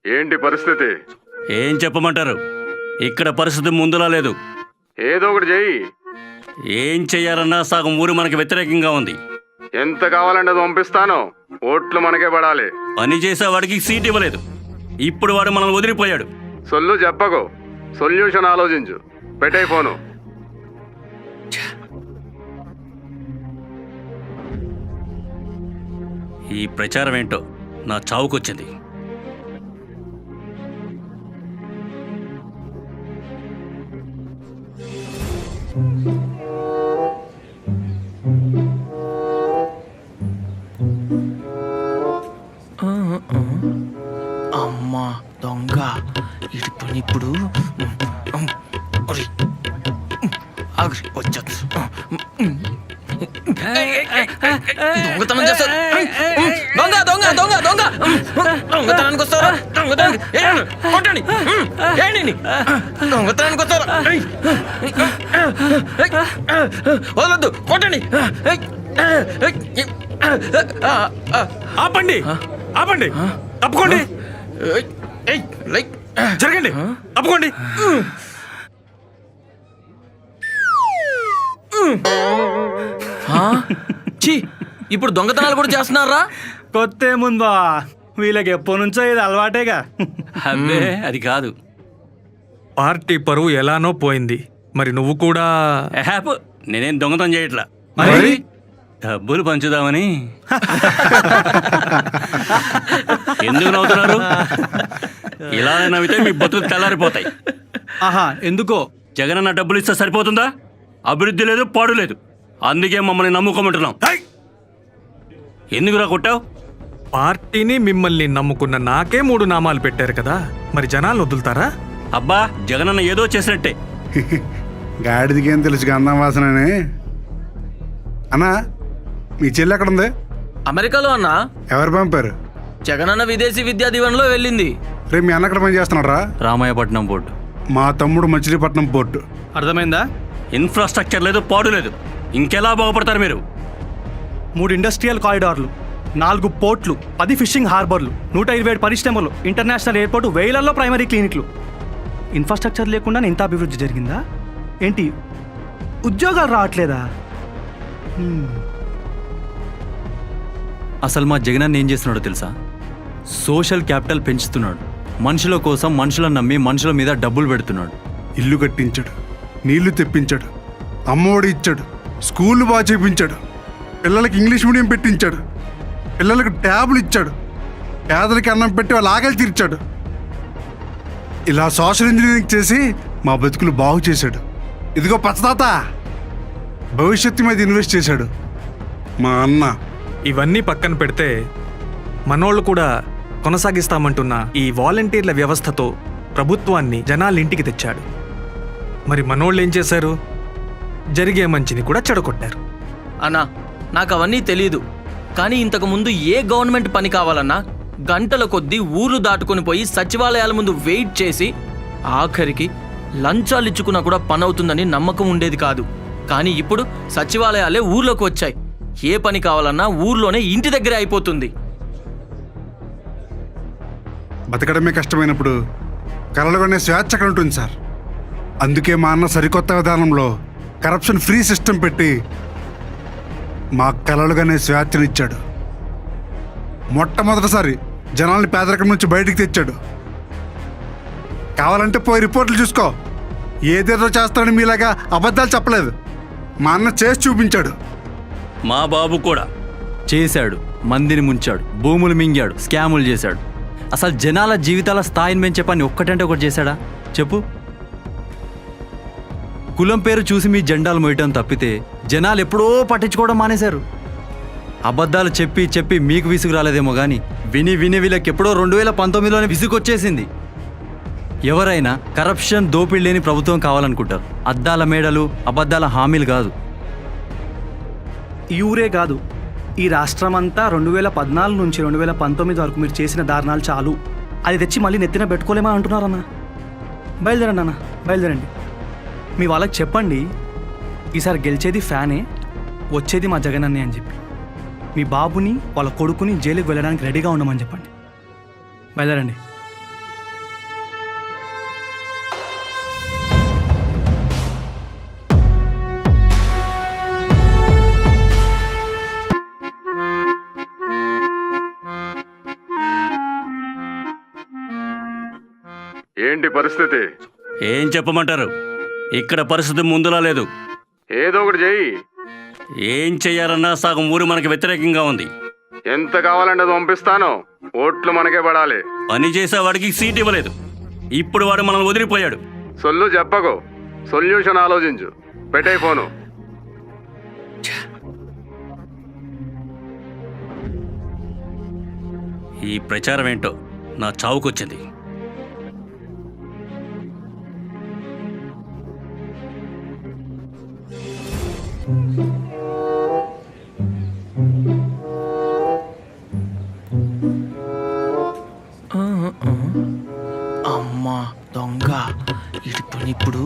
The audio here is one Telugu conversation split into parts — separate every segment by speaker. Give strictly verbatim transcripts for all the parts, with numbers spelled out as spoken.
Speaker 1: ఏంటి పరిస్థితి?
Speaker 2: ఏం చెప్పమంటారు? ఇక్కడ పరిస్థితి ముందులా లేదు.
Speaker 1: ఏదో ఒకటి చెయ్యి.
Speaker 2: ఏం చెయ్యాలన్నా సగం ఊరు మనకి వ్యతిరేకంగా ఉంది.
Speaker 1: ఎంత కావాలంటే అది పంపిస్తాను. ఓట్లు మనకే పడాలి.
Speaker 2: పని చేసేవాడికి సీట్ ఇవ్వలేదు, ఇప్పుడు వాడు మనల్ని వదిలిపోయాడు.
Speaker 1: సొల్లు చెప్పకు, సొల్యూషన్ ఆలోచించు. పెట్టే ఫోను.
Speaker 2: ఈ ప్రచారం ఏంటో నా చావుకొచ్చింది.
Speaker 3: అమ్మా దొంగ ఇటు పని ఇప్పుడు వచ్చా దొంగతనం చేస్తారు. దొంగ దొంగ దొంగ దొంగ దొంగతనానికి వస్తారా? దొంగతనానికి కొట్టండి. ఏంటి దొంగతనానికి వస్తారా? వదలొద్దు, కొట్టండి.
Speaker 4: ఆపండి, ఆపండి, తప్పుకోండి, జరగండి, తప్పుకోండి.
Speaker 3: ఇప్పుడు దొంగతనాలు కూడా చేస్తున్నారా?
Speaker 4: కొత్త ముందా, వీళ్ళకి ఎప్పటి నుంచో ఇది అలవాటేగా.
Speaker 2: అబ్బే అది కాదు.
Speaker 5: పార్టీ పరువు ఎలానో పోయింది, మరి నువ్వు కూడా?
Speaker 2: హ్యాప్ నేనేం దొంగతనం చేయట్లా,
Speaker 5: మరి
Speaker 2: డబ్బులు పంచుదామని. ఎందుకు నవ్వుతున్నారు? ఇలా నవ్వితే మీ బతుకులు తెల్లారిపోతాయి.
Speaker 4: ఆహా, ఎందుకో?
Speaker 2: జగనన్న డబ్బులు ఇస్తే సరిపోతుందా? అభివృద్ధి లేదు, పాడు లేదు. అందుకే మమ్మల్ని నమ్ముకోమంటున్నాం. ఎందుకురా కొట్టావు?
Speaker 5: పార్టీని మిమ్మల్ని నమ్ముకున్న నాకే మూడు నామాలు పెట్టారు కదా, మరి జనాలు వదులుతారా?
Speaker 2: అబ్బా, జగనన్న ఏదో చేసినట్టే.
Speaker 6: గాడిదికేం తెలుసు గంధం వాసనని. అన్నా, మీ చెల్లి ఎక్కడ ఉంది?
Speaker 3: అమెరికాలో అన్నా.
Speaker 6: ఎవరు పంపారు?
Speaker 3: జగనన్న విదేశీ విద్యా దీవెనలో వెళ్ళింది.
Speaker 6: రేపు మీ అన్న ఎక్కడ పని చేస్తున్నారా?
Speaker 2: రామాయపట్నం పోర్టు.
Speaker 6: మా తమ్ముడు మచిలీపట్నం పోర్టు.
Speaker 4: అర్థమైందా?
Speaker 2: ఇన్ఫ్రాస్ట్రక్చర్ లేదు, పాడు లేదు. ఇంకెలా బాగుపడతారు మీరు?
Speaker 4: మూడు ఇండస్ట్రియల్ కారిడార్లు, నాలుగు పోర్ట్లు, పది ఫిషింగ్ హార్బర్లు, నూట ఇరవై ఏడు పరిశ్రమలు, ఇంటర్నేషనల్ ఎయిర్పోర్టు, వేలల్లో ప్రైమరీ క్లినిక్లు. ఇన్ఫ్రాస్ట్రక్చర్ లేకుండా ఇంత అభివృద్ధి జరిగిందా ఏంటి? ఉద్యోగాలు రావట్లేదా?
Speaker 7: అసలు మా జగనన్న ఏం చేస్తున్నాడో తెలుసా? సోషల్ క్యాపిటల్ పెంచుతున్నాడు. మనుషుల కోసం మనుషులను నమ్మి మనుషుల మీద డబ్బులు పెడుతున్నాడు.
Speaker 6: ఇల్లు కట్టించాడు, నీళ్లు తెప్పించాడు, అమ్మఒడి ఇచ్చాడు, స్కూళ్ళు బాగా చేయించాడు, పిల్లలకి ఇంగ్లీష్ మీడియం పెట్టించాడు, పిల్లలకు ట్యాబులు ఇచ్చాడు, పేదలకి అన్నం పెట్టి వాళ్ళ ఆకలి తీర్చాడు. ఇలా సోషల్ ఇంజనీరింగ్ చేసి మా బతుకులు బాగు చేశాడు. ఇదిగో పచ్చదాత, భవిష్యత్తు మీద ఇన్వెస్ట్ చేశాడు మా అన్న.
Speaker 5: ఇవన్నీ పక్కన పెడితే మనోళ్ళు కూడా కొనసాగిస్తామంటున్న ఈ వాలంటీర్ల వ్యవస్థతో ప్రభుత్వాన్ని జనాల ఇంటికి తెచ్చాడు. మరి మనోళ్ళు ఏం చేశారు? జరిగే మంచిని కూడా చెడగొట్టారు.
Speaker 3: అన్నా, నాకు అవన్నీ తెలీదు, కానీ ఇంతకు ముందు ఏ గవర్నమెంట్ పని కావాలన్నా గంటల కొద్దీ ఊర్లు దాటుకొని పోయి సచివాలయాల ముందు వెయిట్ చేసి ఆఖరికి లంచాలు ఇచ్చుకున్నా కూడా పని అవుతుందని నమ్మకం ఉండేది కాదు. కానీ ఇప్పుడు సచివాలయాలే ఊర్లోకి వచ్చాయి. ఏ పని కావాలన్నా ఊర్లోనే ఇంటి దగ్గరే అయిపోతుంది.
Speaker 6: బతకడమే కష్టమైనప్పుడు కలలుగానే స్వేచ్ఛ అక్కడ ఉంటుంది సార్. అందుకే మా అన్న సరికొత్త విధానంలో కరప్షన్ ఫ్రీ సిస్టమ్ పెట్టి మా కలలుగానే స్వేచ్ఛనిచ్చాడు. మొట్టమొదటిసారి జనాల్ని పేదరికం నుంచి బయటికి తెచ్చాడు. కావాలంటే పోయి రిపోర్ట్లు చూసుకో. ఏదేదో చేస్తాడని మీలాగా అబద్ధాలు చెప్పలేదు. మా అన్న చేసి చూపించాడు.
Speaker 2: మా బాబు కూడా
Speaker 7: చేశాడు, మందిని ముంచాడు, భూములు మింగాడు, స్కాములు చేశాడు. అసలు జనాల జీవితాల స్థాయిని పెంచే పని ఒక్కటంటే ఒకటి చేశాడా చెప్పు? కులం పేరు చూసి మీ జెండాలు మోయటం తప్పితే జనాలు ఎప్పుడో పట్టించుకోవడం మానేశారు. అబద్ధాలు చెప్పి చెప్పి మీకు విసుగు రాలేదేమో కానీ విని విని వీళ్ళకి ఎప్పుడో రెండు వేల పంతొమ్మిదిలోనే విసుగు వచ్చేసింది. ఎవరైనా కరప్షన్, దోపిడీ లేని ప్రభుత్వం కావాలనుకుంటారు. అద్దాల మేడలు, అబద్ధాల హామీలు కాదు.
Speaker 4: ఈ ఊరే కాదు, ఈ రాష్ట్రం అంతా రెండు వేల పద్నాలుగు నుంచి రెండు వేల పంతొమ్మిది వరకు మీరు చేసిన దారుణాలు చాలు. అది తెచ్చి మళ్ళీ నెత్తిన పెట్టుకోలేమా అంటున్నారన్న. బయలుదేరండి అన్న, బయలుదేరండి. మీ వాళ్ళకి చెప్పండి, ఈసారి గెలిచేది ఫ్యానే, వచ్చేది మా జగనన్నే అని చెప్పి. మీ బాబుని వాళ్ళ కొడుకుని జైలుకి వెళ్ళడానికి రెడీగా ఉండమని చెప్పండి. బయలుదేరండి.
Speaker 1: ఏంటి పరిస్థితి?
Speaker 2: ఏం చెప్పమంటారు? ఇక్కడ పరిస్థితి ముందులా లేదు.
Speaker 1: ఏదో ఒకటి చెయ్యి.
Speaker 2: ఏం చెయ్యాలన్నా సగం ఊరు మనకి వ్యతిరేకంగా ఉంది.
Speaker 1: ఎంత కావాలంటే అది పంపిస్తాను. ఓట్లు మనకే పడాలి.
Speaker 2: పని చేసేవాడికి సీట్ ఇవ్వలేదు. ఇప్పుడు వాడు మనల్ని వదిలిపోయాడు.
Speaker 1: సొల్లు చెప్పకు, సొల్యూషన్ ఆలోచించు. పెట్టే ఫోను.
Speaker 2: ఈ ప్రచారం ఏంటో నా చావుకొచ్చింది.
Speaker 3: అమ్మా దొంగ ఇటు పని ఇప్పుడు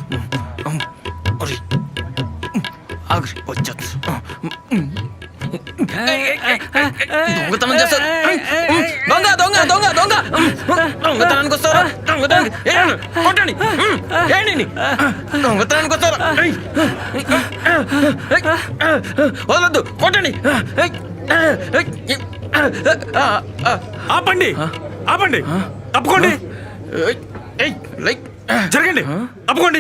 Speaker 3: వచ్చాడు. దొంగతనం చేస్తారు. దొంగ దొంగ దొంగ దొంగ దొంగతనానికి వస్తారా? దొంగతనానికి కొట్టండి. ఏంటి దొంగతనానికి వస్తారా? వదలొద్దు, కొట్టండి.
Speaker 5: ఆపండి, ఆపండి, తప్పుకోండి, జరగండి, తప్పుకోండి.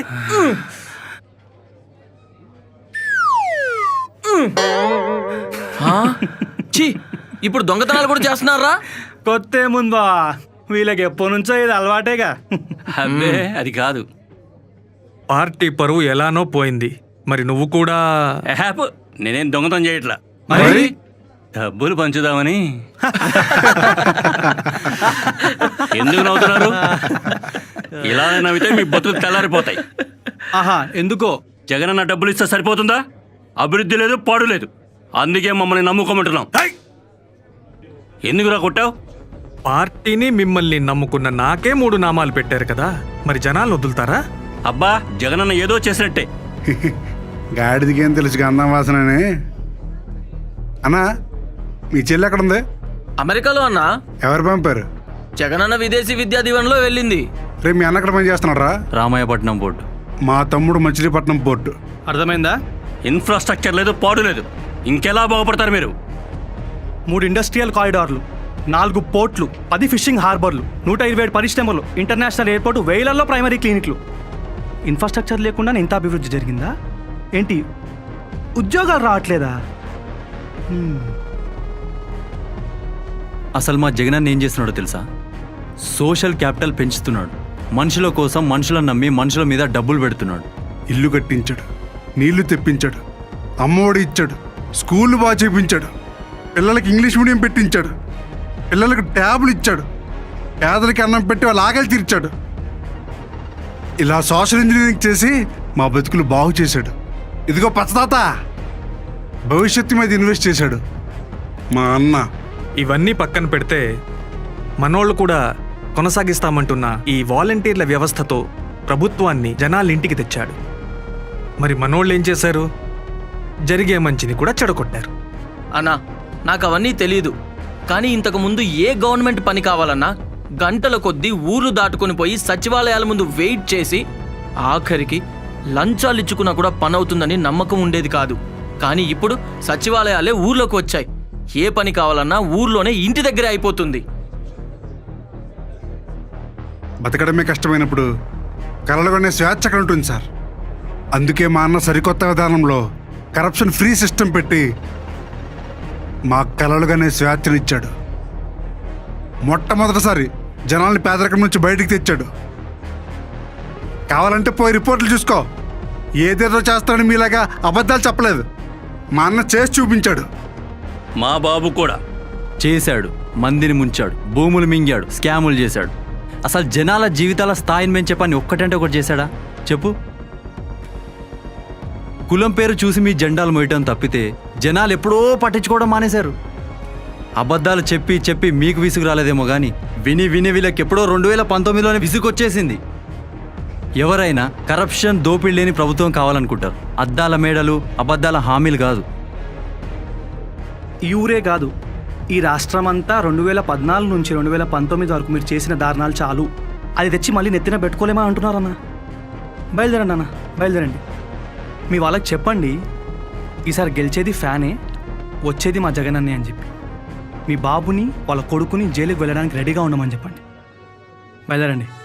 Speaker 3: ఛీ, ఇప్పుడు దొంగతనాలు కూడా చేస్తున్నారా?
Speaker 4: కొత్త ఏముందా, వీళ్ళకి ఎప్పటి నుంచో ఇది అలవాటేగా.
Speaker 2: అబ్బే అది కాదు.
Speaker 5: పార్టీ పరువు ఎలానో పోయింది. మరి నువ్వు కూడా
Speaker 2: హ్యాప్ నేనేం దొంగతనం చేయట్లా.
Speaker 5: మరి
Speaker 2: డబ్బులు పంచుదామని. ఎందుకు నవ్వుతున్నారు? ఇలా నవ్వితే మీ బతుకు తెల్లారిపోతాయి.
Speaker 4: ఆహా, ఎందుకో?
Speaker 2: జగనన్న డబ్బులు ఇస్తే సరిపోతుందా? అభివృద్ధి లేదు, పాడు లేదు. అందుకే మమ్మల్ని నమ్ముకోమంటున్నాం. ఎందుకురా కొట్టావు?
Speaker 5: పార్టీని మిమ్మల్ని నమ్ముకున్న నాకే మూడు నామాలు పెట్టారు కదా, మరి జనాలు వదులుతారా?
Speaker 2: అబ్బా, జగనన్న ఏదో చేసినట్టే.
Speaker 6: గాడిదికేం తెలుసు గంధం వాసనని. అన్నా, మీ చెల్లి ఎక్కడ ఉంది?
Speaker 3: అమెరికాలో అన్నా.
Speaker 6: ఎవరు పంపారు?
Speaker 3: జగనన్న విదేశీ విద్యా దీవెనలో వెళ్ళింది.
Speaker 6: రేపు మీ అన్న ఎక్కడ పని చేస్తున్నారా?
Speaker 7: రామాయపట్నం బోర్డు.
Speaker 6: మా తమ్ముడు మచిలీపట్నం పోర్టు.
Speaker 4: అర్థమైందా?
Speaker 2: ఇన్ఫ్రాస్ట్రక్చర్ లేదు, పాడు లేదు. ఇంకెలా బాగుపడతారు మీరు?
Speaker 4: మూడు ఇండస్ట్రియల్ కారిడార్లు, నాలుగు పోర్ట్లు, పది ఫిషింగ్ హార్బర్లు, నూట ఇరవై ఏడు పరిశ్రమలు, ఇంటర్నేషనల్ ఎయిర్పోర్టు, వేలల్లో ప్రైమరీ క్లినిక్లు. ఇన్ఫ్రాస్ట్రక్చర్ లేకుండా ఇంత అభివృద్ధి జరిగిందా ఏంటి? ఉద్యోగాలు రావట్లేదా? హ్మ్.
Speaker 7: అసలు మా జగనన్న ఏం చేస్తున్నాడో తెలుసా? సోషల్ క్యాపిటల్ పెంచుతున్నాడు. మనుషుల కోసం మనుషులను నమ్మి మనుషుల మీద డబ్బులు పెడుతున్నాడు.
Speaker 6: ఇల్లు కట్టించాడు, నీళ్లు తెప్పించాడు, అమ్మఒడి ఇచ్చాడు, స్కూళ్ళు బాగా చేయించాడు, పిల్లలకి ఇంగ్లీష్ మీడియం పెట్టించాడు, పిల్లలకు ట్యాబులు ఇచ్చాడు, పేదలకి అన్నం పెట్టి వాళ్ళ ఆకలి తీర్చాడు. ఇలా సోషల్ ఇంజనీరింగ్ చేసి మా బతుకులు బాగు చేశాడు. ఇదిగో పచ్చదాత, భవిష్యత్తు మీద ఇన్వెస్ట్ చేశాడు మా అన్న.
Speaker 5: ఇవన్నీ పక్కన పెడితే మనోళ్ళు కూడా కొనసాగిస్తామంటున్న ఈ వాలంటీర్ల వ్యవస్థతో ప్రభుత్వాన్ని జనాలింటికి తెచ్చాడు. మరి మనోళ్ళు ఏం చేశారు? జరిగే మంచిని కూడా చెడగొట్టారు.
Speaker 3: అన్నా, నాకు అవన్నీ తెలియదు. కానీ ఇంతకు ముందు ఏ గవర్నమెంట్ పని కావాలన్నా గంటల కొద్దీ ఊర్లు దాటుకొని పోయి సచివాలయాల ముందు వెయిట్ చేసి ఆఖరికి లంచాలు ఇచ్చుకున్నా కూడా పని అవుతుందని నమ్మకం ఉండేది కాదు. కానీ ఇప్పుడు సచివాలయాలే ఊర్లోకి వచ్చాయి. ఏ పని కావాలన్నా ఊర్లోనే ఇంటి దగ్గరే అయిపోతుంది.
Speaker 6: బతకడమే కష్టమైనప్పుడు కలలుగొనే స్వేచ్ఛ అక్కడ ఉంటుంది సార్. అందుకే మా అన్న సరికొత్త విధానంలో కరప్షన్ ఫ్రీ సిస్టమ్ పెట్టి మా కలలుగానే స్వేచ్ఛనిచ్చాడు. మొట్టమొదటిసారి జనాల్ని పేదరికం నుంచి బయటికి తెచ్చాడు. కావాలంటే పోయి రిపోర్ట్లు చూసుకో. ఏదేదో చేస్తాడని మీలాగా అబద్ధాలు చెప్పలేదు. మా అన్న చేసి చూపించాడు.
Speaker 2: మా బాబు కూడా
Speaker 7: చేశాడు. మందిని ముంచాడు, భూములు మింగాడు, స్కాములు చేశాడు. అసలు జనాల జీవితాల స్థాయిని పెంచే పని ఒక్కటంటే ఒకటి చేశాడా చెప్పు? కులం పేరు చూసి మీ జెండాలు మోయటం తప్పితే జనాలు ఎప్పుడో పట్టించుకోవడం మానేశారు. అబద్ధాలు చెప్పి చెప్పి మీకు విసుగు రాలేదేమో కానీ విని విని వీళ్ళకి ఎప్పుడో రెండు వేల పంతొమ్మిదిలోనే విసుగు వచ్చేసింది. ఎవరైనా కరప్షన్, దోపిడీ లేని ప్రభుత్వం కావాలనుకుంటారు. అద్దాల మేడలు, అబద్ధాల హామీలు కాదు.
Speaker 4: ఈ ఊరే కాదు, ఈ రాష్ట్రం అంతా రెండు వేల పద్నాలుగు నుంచి రెండు వేల పంతొమ్మిది వరకు మీరు చేసిన దారుణాలు చాలు. అది తెచ్చి మళ్ళీ నెత్తిన పెట్టుకోలేమా అంటున్నారన్న. బయలుదేరండి అన్న, బయలుదేరండి. మీ వాళ్ళకి చెప్పండి, ఈసారి గెలిచేది ఫ్యానే, వచ్చేది మా జగనన్నే అని చెప్పి. మీ బాబుని వాళ్ళ కొడుకుని జైలుకి వెళ్ళడానికి రెడీగా ఉండమని చెప్పండి. బయలుదేరండి.